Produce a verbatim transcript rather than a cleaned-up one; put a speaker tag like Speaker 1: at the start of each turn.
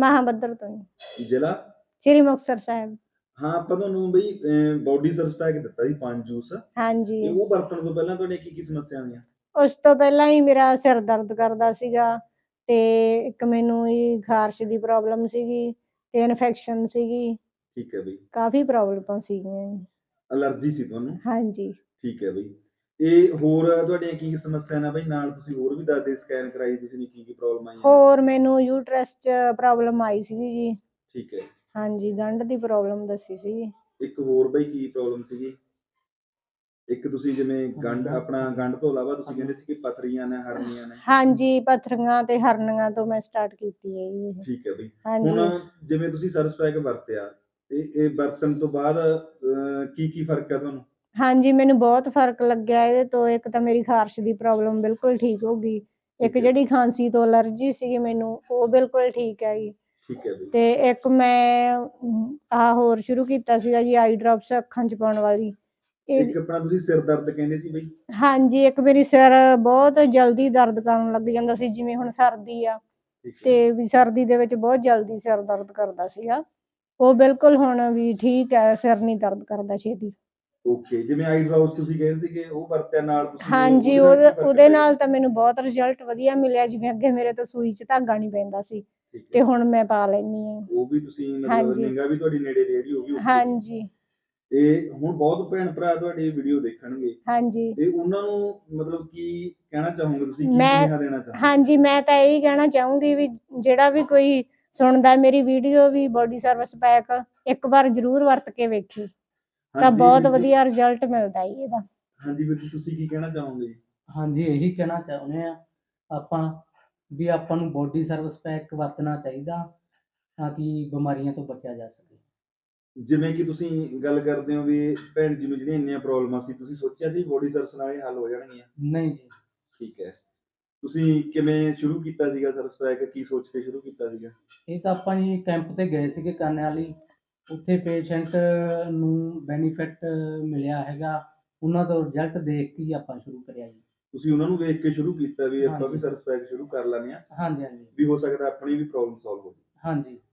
Speaker 1: ਮਹਾਬੱਧਰ ਤੋਂ ਜੀ।
Speaker 2: ਜ਼ਿਲ੍ਹਾ?
Speaker 1: ਸ੍ਰੀ ਮੁਕਤਸਰ ਸਾਹਿਬ।
Speaker 2: ਹਾਂ, ਆਪਾਂ ਤੁਹਾਨੂੰ ਬਈ ਅ ਬੋਡੀ ਸਰਵਿਸ ਪੈਕ ਦਿੱਤਾ ਸੀ ਪੰਜ ਜੂਸ, ਤੇ
Speaker 1: ਹਾਂਜੀ।
Speaker 2: ਉਹ ਵਰਤਣ ਤੋਂ ਪਹਿਲਾਂ ਤੁਹਾਡੀਆਂ ਕੀ-ਕੀ ਸਮੱਸਿਆ ਆਈਆਂ?
Speaker 1: ਉਸ ਤੋਂ ਪਹਿਲਾਂ ਹੀ ਮੇਰਾ ਸਿਰ ਦਰਦ ਕਰਦਾ ਸੀਗਾ, ਤੇ ਇੱਕ ਮੈਨੂੰ ਜੀ ਖਾਰਸ਼ ਦੀ ਪ੍ਰੋਬਲਮ ਸੀਗੀ, ਤੇ ਇਨਫੈਕਸ਼ਨ ਸੀਗੀ।
Speaker 2: ਠੀਕ ਹੈ ਬਈ।
Speaker 1: ਕਾਫ਼ੀ ਪ੍ਰੋਬਲਮਾਂ ਸੀਗੀਆਂ ਜੀ।
Speaker 2: ਅਲਰਜੀ ਸੀ ਤੁਹਾਨੂੰ?
Speaker 1: ਹਾਂਜੀ।
Speaker 2: ਠੀਕ ਹੈ ਬਈ। ਤੇ ਹੋਰ ਤੁਹਾਡੀਆਂ ਕੀ-ਕੀ ਸਮੱਸਿਆ ਨੇ ਬਈ? ਨਾਲ ਤੁਸੀਂ ਹੋਰ ਵੀ ਦੱਸਦੇ, ਸਕੈਨ ਕਰਾਈ ਤੁਸੀਂ ਨੇ, ਕੀ-ਕੀ ਪ੍ਰੋਬਲਮ ਆਈਆਂ?
Speaker 1: ਹੋਰ ਮੈਨੂੰ ਯੂਟਰਸ 'ਚ ਪ੍ਰੋਬਲਮ ਆਈ ਸੀਗੀ ਜੀ।
Speaker 2: ਠੀਕ ਹੈ।
Speaker 1: ਹਾਂਜੀ, ਗੰਢ ਦੀ ਪ੍ਰੋਬਲਮ ਦੱਸੀ ਸੀਗੀ।
Speaker 2: ਇੱਕ ਹੋਰ ਬਈ ਕੀ ਪ੍ਰੋਬਲਮ ਸੀਗੀ? ਇੱਕ ਤੁਸੀਂ ਜਿਵੇਂ ਗੰਢ ਆਪਣਾ ਗੰਢ ਤੋਂ ਇਲਾਵਾ ਤੁਸੀਂ ਕਹਿੰਦੇ ਸੀ ਕਿ ਪੱਥਰੀਆਂ ਨੇ, ਹਰਨੀਆਂ ਨੇ।
Speaker 1: ਹਾਂਜੀ, ਪੱਥਰੀਆਂ ਤੇ ਹਰਨੀਆਂ ਤੋਂ ਮੈਂ ਸਟਾਰਟ ਕੀਤੀ ਹੈ ਜੀ ਇਹ।
Speaker 2: ਠੀਕ ਹੈ ਬਈ।
Speaker 1: ਹਾਂਜੀ।
Speaker 2: ਹੁਣ ਜਿਵੇਂ ਤੁਸੀਂ ਸਰਵਿਸ ਪੈਕ ਵਰਤਿਆ, ਤੇ ਇਹ ਵਰਤਣ ਤੋਂ ਬਾਅਦ ਅ ਕੀ-ਕੀ ਫਰਕ ਹੈ ਤੁਹਾਨੂੰ?
Speaker 1: ਹਾਂਜੀ, ਮੈਨੂੰ ਬਹੁਤ ਫਰਕ ਲੱਗਿਆ ਇਹਦੇ ਤੋਂ। ਇੱਕ ਤਾਂ ਮੇਰੀ ਖਾਰਸ਼ ਦੀ ਪ੍ਰੋਬਲਮ ਬਿਲਕੁਲ ਠੀਕ ਹੋ ਗਈ। ਇੱਕ
Speaker 2: ਠੀਕ ਹੈ।
Speaker 1: ਜਿਹੜੀ ਖਾਂਸੀ ਤੋਂ ਅਲਰਜੀ ਸੀਗੀ ਮੈਨੂੰ, ਉਹ ਬਿਲਕੁਲ ਠੀਕ ਹੈ ਜੀ।
Speaker 2: ਠੀਕ ਹੈ ਬਈ।
Speaker 1: ਤੇ ਇੱਕ ਮੈਂ ਆਹ ਹੋਰ ਸ਼ੁਰੂ ਕੀਤਾ ਸੀਗਾ ਜੀ, ਆਈ ਡਰੋਪਸ ਅੱਖਾਂ 'ਚ ਪਾਉਣ ਵਾਲੀ। ਇਹ
Speaker 2: ਇੱਕ ਆਪਣਾ ਤੁਸੀਂ ਸਿਰ ਦਰਦ ਕਹਿੰਦੇ ਸੀ ਬਈ?
Speaker 1: ਹਾਂਜੀ, ਇੱਕ ਮੇਰੀ ਸਿਰ ਬਹੁਤ ਜਲਦੀ ਦਰਦ ਕਰਨ ਲੱਗ ਜਾਂਦਾ ਸੀ, ਜਿਵੇਂ ਹੁਣ ਸਰਦੀ ਆ,
Speaker 2: ਠੀਕ ਹੈ।
Speaker 1: ਤੇ ਵੀ ਸਰਦੀ ਦੇ ਵਿੱਚ ਬਹੁਤ ਜਲਦੀ ਸਿਰ ਦਰਦ ਕਰਦਾ ਸੀਗਾ। ਉਹ ਬਿਲਕੁਲ ਹੁਣ ਵੀ ਠੀਕ ਹੈ, ਸਿਰ ਨਹੀਂ ਦਰਦ ਕਰਦਾ ਛੇਤੀ।
Speaker 2: ਓਕੇ, ਜਿਵੇਂ ਆਈ ਡਰੌਪਸ ਤੁਸੀਂ ਕਹਿੰਦੇ ਸੀਗੇ, ਉਹ ਵਰਤਿਆ ਨਾਲ ਤੁਸੀਂ,
Speaker 1: ਹਾਂਜੀ,
Speaker 2: ਉਹਦੇ ਨਾਲ
Speaker 1: ਉਹਦੇ
Speaker 2: ਕੀ ਫਰਕ
Speaker 1: ਉਹਦੇ
Speaker 2: ਪਿਆ
Speaker 1: ਨਾਲ
Speaker 2: ਜੀ?
Speaker 1: ਤਾਂ ਮੈਨੂੰ ਬਹੁਤ ਰਿਜ਼ਲਟ ਵਧੀਆ ਮਿਲਿਆ। ਜਿਵੇਂ ਅੱਗੇ ਮੇਰੇ ਤੋਂ ਸੂਈ 'ਚ ਧਾਗਾ ਨਹੀਂ ਪੈਂਦਾ ਸੀ,
Speaker 2: ਠੀਕ
Speaker 1: ਤੇ
Speaker 2: ਹੈ।
Speaker 1: ਹੁਣ ਮੈਂ ਪਾ ਲੈਂਦੀ ਹਾਂ।
Speaker 2: ਉਹ ਵੀ ਤੁਸੀਂ ਮਤਲਬ
Speaker 1: ਹਾਂਜੀ।
Speaker 2: ਨਿਗਾਹ ਵੀ ਤੁਹਾਡੀ ਨੇੜੇ ਦੀ ਜਿਹੜੀ ਉਹ ਵੀ ਓਕੇ ਸੀ।
Speaker 1: ਹਾਂਜੀ।
Speaker 2: ਤੇ ਹੁਣ ਬਹੁਤ ਭੈਣ ਭਰਾ ਤੁਹਾਡੀ ਵੀਡੀਓ ਦੇਖਣਗੇ,
Speaker 1: ਹਾਂਜੀ।
Speaker 2: ਤੇ ਉਹਨਾਂ ਨੂੰ ਮਤਲਬ ਕੀ ਕਹਿਣਾ ਚਾਹੋਗੇ ਤੁਸੀਂ? ਕੀ
Speaker 1: ਮੈਂ
Speaker 2: ਸੁਨੇਹਾ ਦੇਣਾ ਚਾਹੋਗੇ?
Speaker 1: ਹਾਂਜੀ, ਮੈਂ ਤਾਂ ਇਹੀ ਕਹਿਣਾ ਚਾਹੂੰਗੀ ਵੀ ਜਿਹੜਾ ਵੀ ਕੋਈ ਸੁਣਦਾ ਮੇਰੀ ਵੀਡੀਓ, ਵੀ ਬੋਡੀ ਸਰਵਿਸ ਪੈਕ ਇੱਕ ਵਾਰ ਜ਼ਰੂਰ ਵਰਤ ਕੇ ਵੇਖੇ, ਤਾਂ
Speaker 2: ਹਾਂਜੀ
Speaker 1: ਬਹੁਤ
Speaker 2: ਵੀਰ ਜੀ।
Speaker 1: ਵਧੀਆ ਰਿਜ਼ਲਟ ਮਿਲਦਾ ਜੀ ਇਹਦਾ।
Speaker 2: ਹਾਂਜੀ ਵੀਰ ਜੀ, ਤੁਸੀਂ ਕੀ ਕਹਿਣਾ ਚਾਹੋਗੇ ਜੀ?
Speaker 3: ਹਾਂਜੀ, ਇਹੀ ਕਹਿਣਾ ਚਾਹੁੰਦੇ ਆ ਆਪਾਂ ਵੀ ਆਪਾਂ ਨੂੰ ਬੋਡੀ ਸਰਵਿਸ ਪੈਕ ਵਰਤਣਾ ਚਾਹੀਦਾ, ਤਾਂ ਕਿ ਬਿਮਾਰੀਆਂ ਤੋਂ ਬਚਿਆ ਜਾ ਸਕੇ।
Speaker 2: ਜਿਵੇਂ ਕਿ ਤੁਸੀਂ ਗੱਲ ਕਰਦੇ ਹੋ ਵੀ ਭੈਣ ਜੀ ਨੂੰ ਜਿਹੜੀਆਂ ਇੰਨੀਆਂ ਪ੍ਰੋਬਲਮਾਂ ਸੀ, ਤੁਸੀਂ ਸੋਚਿਆ ਸੀ ਬੋਡੀ ਸਰਵਿਸ ਨਾਲ ਇਹ ਹੱਲ ਹੋ ਜਾਣਗੀਆਂ?
Speaker 3: ਨਹੀਂ ਜੀ।
Speaker 2: ਠੀਕ ਹੈ। ਤੁਸੀਂ ਕਿਵੇਂ ਸ਼ੁਰੂ ਕੀਤਾ ਸੀਗਾ ਸਰਵਿਸ ਪੈਕ? ਕੀ ਸੋਚ ਕੇ ਸ਼ੁਰੂ ਕੀਤਾ ਸੀਗਾ?
Speaker 3: ਇਹ ਤਾਂ ਆਪਾਂ ਜੀ ਕੈਂਪ ਤੇ ਗਏ ਸੀਗੇ ਕਾਨੇ ਵਾਲੀ, ਉੱਥੇ ਪੇਸ਼ੈਂਟ ਨੂੰ ਬੈਨੀਫਿਟ ਮਿਲਿਆ ਹੈਗਾ, ਉਹਨਾਂ ਤੋਂ ਰਿਜ਼ਲਟ ਦੇਖ ਕੇ ਹੀ ਆਪਾਂ ਸ਼ੁਰੂ ਕਰਿਆ ਜੀ।
Speaker 2: ਤੁਸੀਂ ਉਹਨਾਂ ਨੂੰ ਵੇਖ ਕੇ ਸ਼ੁਰੂ ਕੀਤਾ ਵੀ ਆਪਾਂ ਵੀ
Speaker 3: ਹਾਂਜੀ।
Speaker 2: ਸਰਵਿਸ ਪੈਕ ਸ਼ੁਰੂ ਕਰ ਲੈਂਦੇ ਹਾਂ,
Speaker 3: ਹਾਂਜੀ ਹਾਂਜੀ।
Speaker 2: ਵੀ ਹੋ ਸਕਦਾ ਆਪਣੀ ਵੀ ਪ੍ਰੋਬਲਮ ਸੋਲਵ ਹੋ ਜਾਵੇ।
Speaker 3: ਹਾਂਜੀ।